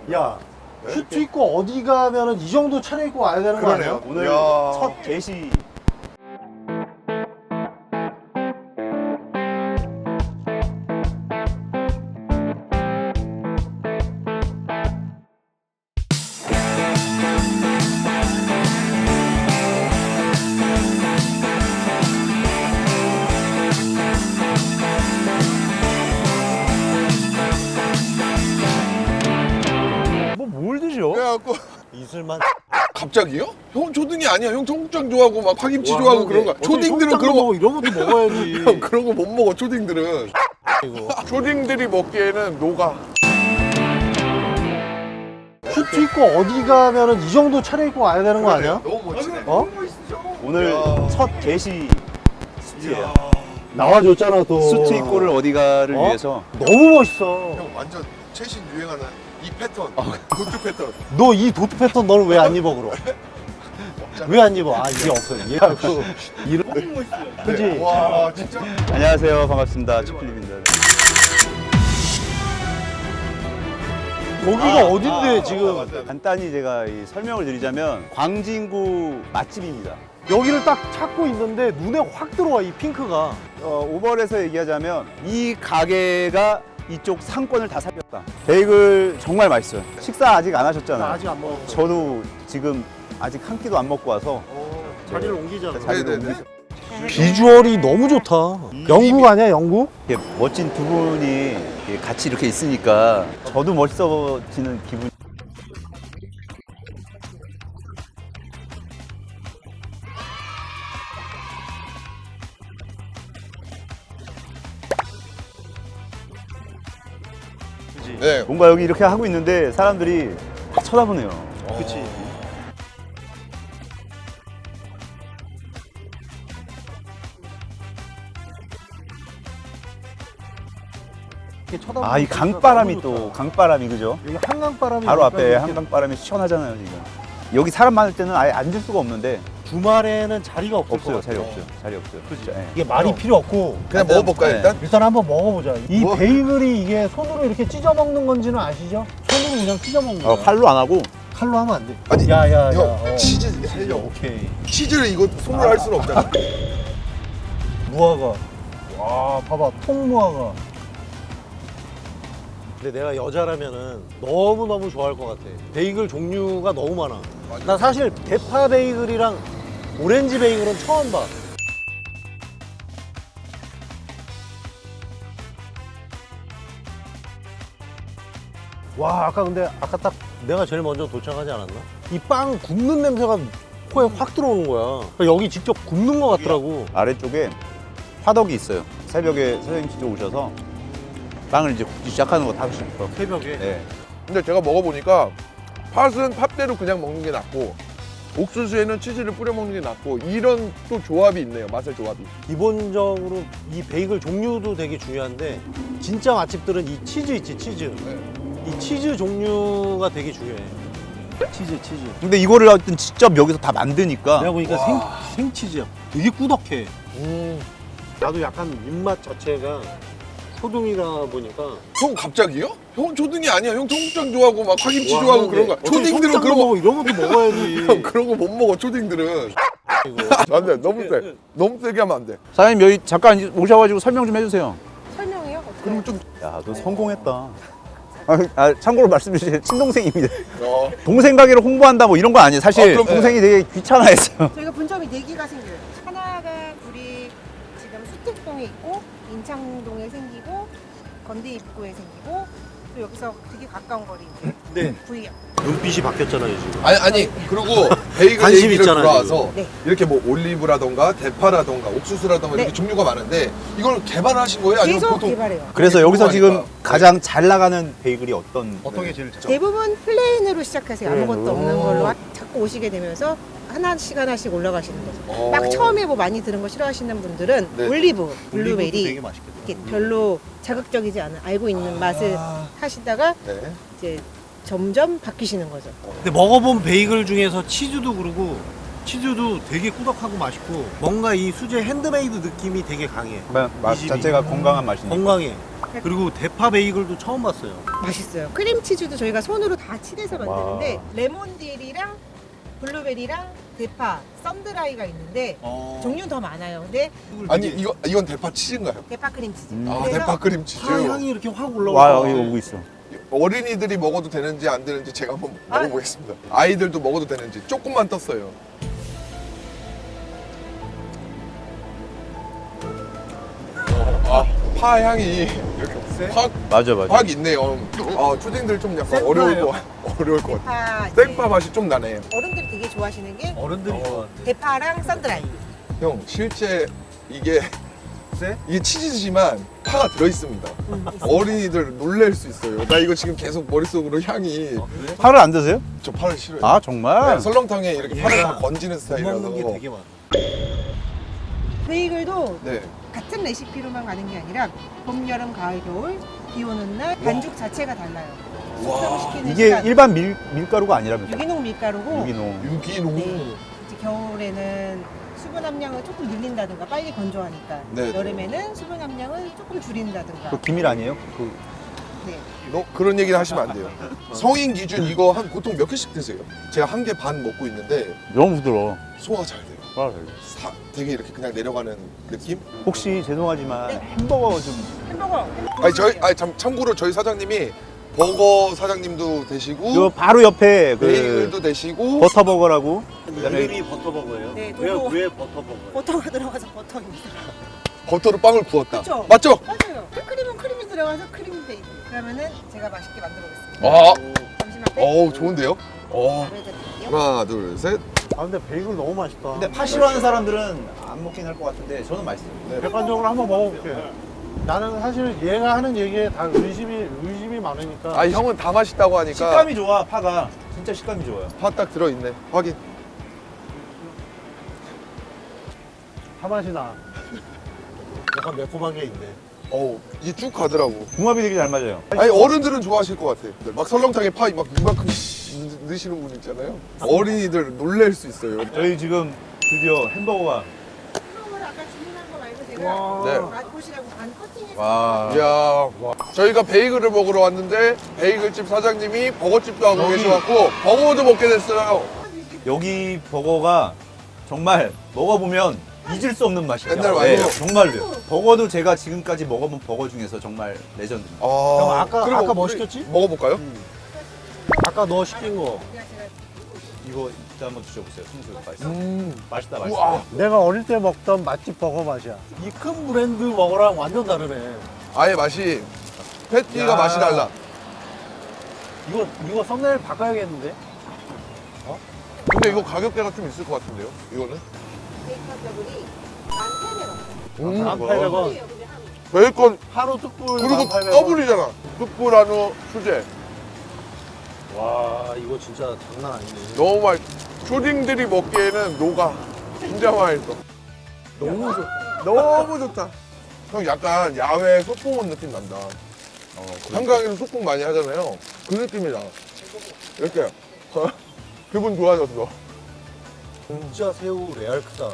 야, 슈트 입고 어디 가면은 이 정도 차려입고 와야 되는 거 아니야? 오늘 야. 첫 게시. 뭘 드셔? 그래갖고 이슬만. 갑자기요? 형 초등이 아니야. 형 청국장 좋아하고 막 파김치 좋아하고 그런 거. 초딩들은 그런 거 먹어. 이런 것도 먹어야지. 형 그런 거 못 먹어. 초딩들은. 이거. 초딩들이 먹기에는 녹아. 슈트 입고 어디 가면은 이 정도 차려입고 와야 되는 거 아니야? 너무 멋지네. 어? 오늘 야. 첫 게시 수트예요. 나와줬잖아 또. 수트 입고를 어디가를 어? 위해서. 너무 멋있어. 형 완전 최신 유행하는 이 패턴. 도트 패턴. 너 이 도트 패턴 너는 왜 안 입어 그럼? 왜 안 입어? 아 이게 없어. 얘가 그 이런. 그지? 와 진짜. 안녕하세요. 반갑습니다. 치플립입니다. 여기가 어딘데 지금? 간단히 제가 이 설명을 드리자면 광진구 맛집입니다. 여기를 딱 찾고 있는데 눈에 확 들어와 이 핑크가. 오버랩에서 얘기하자면 이 가게가 이쪽 상권을 다 살렸다. 베이글 정말 맛있어요. 식사 아직 안 하셨잖아요. 나 아직 안 먹었어. 저도 지금 아직 한 끼도 안 먹고 와서 자리를 옮기잖아. 자리를 네네네. 옮기죠. 비주얼이 너무 좋다. 영국 아니야 영국? 이렇게 멋진 두 분이 이렇게 같이 이렇게 있으니까 저도 멋있어지는 기분. 네. 뭔가 여기 이렇게 하고 있는데 사람들이 다 쳐다보네요. 그치. 아, 이 강바람이 또 강바람이 그죠? 여기 한강바람이 바로 앞에 이렇게 한강바람이 시원하잖아요 지금. 여기 사람 많을 때는 아예 앉을 수가 없는데 주말에는 자리가 없을 없어요. 것 자리 같아. 없어요. 자리 없어요. 그치? 예. 이게 말이 필요 없고 그냥 먹어볼까요 네. 일단? 일단 한번 먹어보자. 이 뭐? 베이글이 이게 손으로 이렇게 찢어 먹는 건지는 아시죠? 손으로 그냥 찢어 먹는 거야. 칼로 안 하고 칼로 하면 안 돼. 아니, 야야야. 형 치즈 살려. 오케이. 치즈를 이거 손으로 할 수는 없잖아. 무화과. 와 봐봐 통무화과. 근데 내가 여자라면은 너무너무 좋아할 것 같아. 베이글 종류가 너무 많아. 맞아. 나 사실 대파 베이글이랑 오렌지 베이글은 처음 봐. 와 아까 근데 아까 딱 내가 제일 먼저 도착하지 않았나? 이 빵 굽는 냄새가 코에 확 들어오는 거야. 그러니까 여기 직접 굽는 것 같더라고. 아래쪽에 화덕이 있어요. 새벽에 선생님 직접 오셔서 빵을 이제 굽기 시작하는 거 타시니까. 새벽에. 네. 근데 제가 먹어보니까 팥은 팥대로 그냥 먹는 게 낫고 옥수수에는 치즈를 뿌려 먹는 게 낫고 이런 또 조합이 있네요. 맛의 조합이. 기본적으로 이 베이글 종류도 되게 중요한데 진짜 맛집들은 이 치즈 있지 치즈. 네. 이 치즈 종류가 되게 중요해. 치즈. 근데 이거를 하여튼 직접 여기서 다 만드니까 내가 보니까 생치즈야. 되게 꾸덕해. 나도 약간 입맛 자체가 초등이다 보니까 형 갑자기요? 형 초등이 아니야. 형 청국장 좋아하고 막 파김치 좋아하고 그런 거. 어떻게 초딩들은 그런 거. 먹어. 이런 것도 먹어야지. 형 그런 거 못 먹어. 초딩들은. 이거. 안 돼. 너무 세. 너무 세게 하면 안 돼. 사장님 여기 잠깐 오셔가지고 설명 좀 해주세요. 설명이요? 어떻게? 그리고 좀 야, 너 성공했다. 참고로 말씀드리면 친동생입니다. 어. 동생 가게를 홍보한다 뭐 이런 거 아니에요. 사실 그럼 동생이 되게 귀찮아했어요. 저희가 분점이 4개가 생겨요. 하나가 우리 지금 수택동에 있고 인창동에 생기고 건대 입구에 생기고 또 여기서 되게 가까운 거리 이제 네. 구이역. 눈빛이 바뀌었잖아요 지금. 아니 그리고 베이글 관심 얘기를 있잖아요, 돌아와서 네. 이렇게 뭐 올리브라던가 대파라던가 옥수수라던가 이렇게 네. 종류가 많은데 이걸 개발하신 거예요? 아니면 계속 보통 개발해요. 그래서 이게 여기서 지금 궁금하니까. 가장 잘 나가는 베이글이 어떤? 어떤 게 제일 잘? 대부분 플레인으로 시작하세요. 아무것도 플레인으로. 없는 걸로 자꾸 오시게 되면서 하나씩 올라가시는 거죠. 어. 막 처음에 뭐 많이 들은 거 싫어하시는 분들은 네. 올리브, 되게 블루베리 맛있겠다. 이렇게 별로 자극적이지 않은 알고 있는 맛을 하시다가 네. 이제 점점 바뀌시는 거죠. 근데 먹어본 베이글 중에서 치즈도 그러고 치즈도 되게 꾸덕하고 맛있고 뭔가 이 수제 핸드메이드 느낌이 되게 강해. 맛 이 집이. 자체가 건강한 맛이니까. 건강해. 그리고 대파 베이글도 처음 봤어요. 맛있어요. 크림치즈도 저희가 손으로 다 칠해서 만드는데 레몬딜이랑 블루베리랑 대파, 썬드라이가 있는데 종류는 더 많아요. 근데 아니 이건 대파 치즈인가요? 대파 크림치즈. 아 그래서 대파 크림치즈. 파 향이 이렇게 확 와 올라와. 여기 오고 있어. 어린이들이 먹어도 되는지 안 되는지 제가 한번 먹어보겠습니다. 아이들도 먹어도 되는지 조금만 떴어요. 파 향이 이렇게 맞아. 확 있네요. 초딩들 좀 약간 생파예요? 어려울 것 같아. 대파 이제 생파 맛이 좀 나네. 어른들이 되게 좋아하시는 게 어른들이 좋아하는데. 대파랑 썬드라이. 형 실제 이게 쎄? 이게 치즈지만 파가 들어 있습니다. 어린이들 놀랄 수 있어요. 나 이거 지금 계속 머릿속으로 향이 그래? 파를 안 드세요? 저 파를 싫어요. 아 정말? 네, 설렁탕에 이렇게 파를 얘가 다 건지는 못 스타일이라서. 먹는 게 되게 많아. 베이글도 네. 같은 레시피로만 가는 게 아니라 봄, 여름, 가을, 겨울, 비 오는 날 반죽 자체가 달라요. 숙성시키는 이게 시간, 일반 밀가루가 아니라면서. 유기농 밀가루고 유기농. 유기농. 네. 이제 겨울에는 수분 함량을 조금 늘린다든가 빨리 건조하니까 네. 여름에는 수분 함량을 조금 줄인다든가 그 기밀 아니에요? 그 네. 그런 얘기는 하시면 안 돼요. 성인 기준 이거 한 보통 몇 개씩 드세요? 제가 한 개 반 먹고 있는데 너무 부드러워. 소화가 잘 돼요. 되게 이렇게 그냥 내려가는 느낌? 혹시 죄송하지만 네. 햄버거 좀 햄버거 참고로 저희 사장님이 버거 사장님도 되시고 요 바로 옆에 그 베이글도 되시고 버터버거라고 그다음에 이름이 버터버거예요? 네, 왜, 도보. 왜 버터버거예요? 버터가 들어가서 버터입니다. 버터로 빵을 구웠다. 그쵸? 맞죠? 맞아요. 크림은 크림이 들어가서 크림 베이글. 그러면은 제가 맛있게 만들어 보겠습니다. 아, 잠시만. 어우 좋은데요? 보여드릴게요. 하나, 둘, 셋. 아 근데 베이글 너무 맛있다. 근데 파 싫어하는 사람들은 안 먹긴 할 것 같은데 저는 맛있어요. 네. 객관적으로 한번 먹어볼게. 나는 사실 얘가 하는 얘기에 다 의심이 많으니까. 아 형은 다 맛있다고 하니까 식감이 좋아 파가 진짜 식감이 좋아요. 파 딱 들어있네. 확인. 파 맛이 나. 약간 매콤한 게 있네. 어우 이게 쭉 가더라고. 궁합이 되게 잘 맞아요. 아니 어른들은 좋아하실 것 같아. 막 설렁탕에 파 막 이만큼 넣으시는 분 있잖아요. 어린이들 놀랄 수 있어요. 저희 지금 드디어 햄버거가 햄버거를 아까 주문한 거 말고 와. 제가 네. 맛보시라고 반 커팅해서 와 이야, 저희가 베이글을 먹으러 왔는데 베이글집 사장님이 버거집도 하고 여기. 계셔갖고 버거도 먹게 됐어요. 여기 버거가 정말 먹어보면 잊을 수 없는 맛이에요. 옛날 맛이에요. 정말로요. 버거도 제가 지금까지 먹어본 버거 중에서 정말 레전드입니다. 형, 아까 그리고 뭐 우리 시켰지? 먹어볼까요? 아까 너 시킨 거. 이거 일단 한번 드셔보세요. 숭수 맛있다. 맛있다. 우와. 내가 어릴 때 먹던 맛집 버거 맛이야. 이 큰 브랜드 버거랑 완전 다르네. 아예 맛이 패티가 야. 맛이 달라. 이거 썸네일 바꿔야겠는데? 근데 이거 가격대가 좀 있을 것 같은데요? 이거는? 베이컨 더블이 1,800원. 1,800원. 베이컨 하루 뚝불 그리고 1,800원. 더블이잖아. 뚝불 한우 수제. 와 이거 진짜 장난 아니네. 너무 맛. 초딩들이 먹기에는 녹아. 진짜 맛있어. 너무 좋다. 너무 좋다. 형 약간 야외 소풍 온 느낌 난다. 한강에서 소풍 많이 하잖아요. 그 느낌이 나. 이렇게 기분 좋아졌어. 진짜 새우 레알 크다.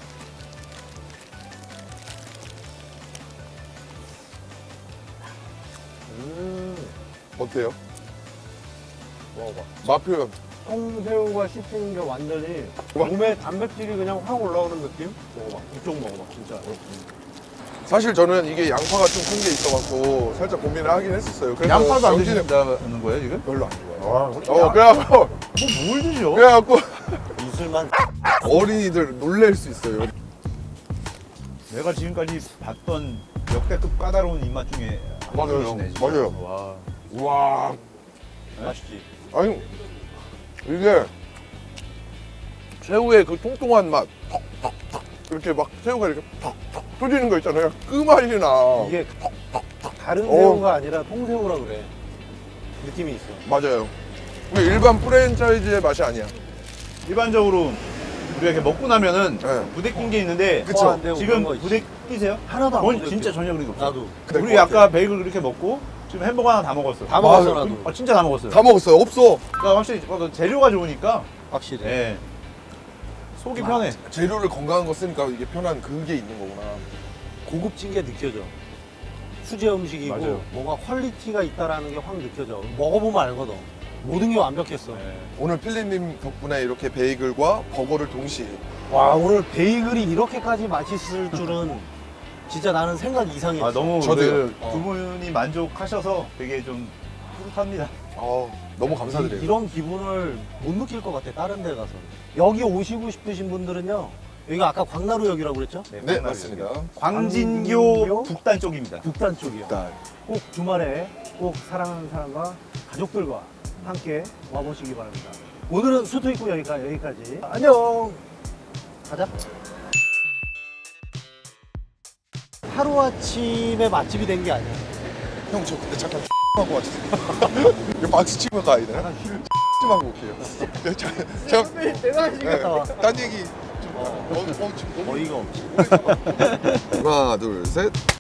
어때요? 먹어봐. 맛 표현. 통새우가 씹히는 게 완전히 몸에 단백질이 그냥 확 올라오는 느낌? 먹어봐. 이쪽 먹어봐 진짜. 사실 저는 이게 양파가 좀 큰 게 있어갖고 살짝 고민을 하긴 했었어요. 그래서 양파도 안 영진이 드신다는 거예요 지금? 별로 안 좋아해요. 와, 그래갖고 뭘 드셔? 그래갖고 이슬만. 어린이들 놀랄 수 있어요. 내가 지금까지 봤던 역대급 까다로운 입맛 중에 한 맞아요. 분이시네, 진짜. 맞아요. 와. 와, 맛있지. 아니 이게 새우의 그 통통한 맛, 턱턱턱 이렇게 막 새우가 이렇게 턱턱 터지는 거 있잖아요. 그 맛이 나. 이게 다른 어. 새우가 아니라 통새우라 그래. 느낌이 있어. 맞아요. 근데 일반 프랜차이즈의 맛이 아니야. 일반적으로 우리가 이렇게 먹고 나면은 네. 부대낀 게 있는데 그쵸. 안 되고 지금 그런 거 있지. 부대 끼세요? 하나도 안 전 부대껴. 진짜 전혀 그런 게 없어요. 나도. 그럴 우리 것 아까 같아요. 베이글 그렇게 먹고 지금 햄버거 하나 다 먹었어. 다 먹었어 맞아. 나도. 진짜 다 먹었어요. 다 먹었어요. 없어. 그러니까 확실히 재료가 좋으니까 확실히. 예. 속이 편해. 재료를 건강한 거 쓰니까 이게 편한 그게 있는 거구나. 고급진 게 느껴져. 수제 음식이고 맞아요. 뭔가 퀄리티가 있다라는 게 확 느껴져. 먹어보면 알거든. 모든 게 완벽했어. 오늘 필립님 덕분에 이렇게 베이글과 버거를 동시에 와, 오늘 베이글이 이렇게까지 맛있을 줄은 진짜 나는 생각 이상이었어. 아, 너무 저도요. 두 분이 만족하셔서 되게 좀 뿌듯합니다. 너무 감사드려요. 이런 기분을 못 느낄 것 같아, 다른 데 가서. 여기 오시고 싶으신 분들은요, 여기가 아까 광나루역이라고 그랬죠? 네, 맞습니다. 광진교 북단 쪽입니다. 북단 쪽이요. 일단 꼭 주말에 꼭 사랑하는 사람과 가족들과 함께 와보시기 바랍니다. 오늘은 수토익구 여기까지. 안녕. 가자. 하루아침에 맛집이 된 게 아니야. 형, 저 근데 잠깐 하고 왔어요. 이거 박수 치고 가야 되나? 좀 하고 올게요. 내가 화장실 갔다 와. 딴 얘기 좀. 지금 너무 어이가 없지. 하나, 둘, 셋.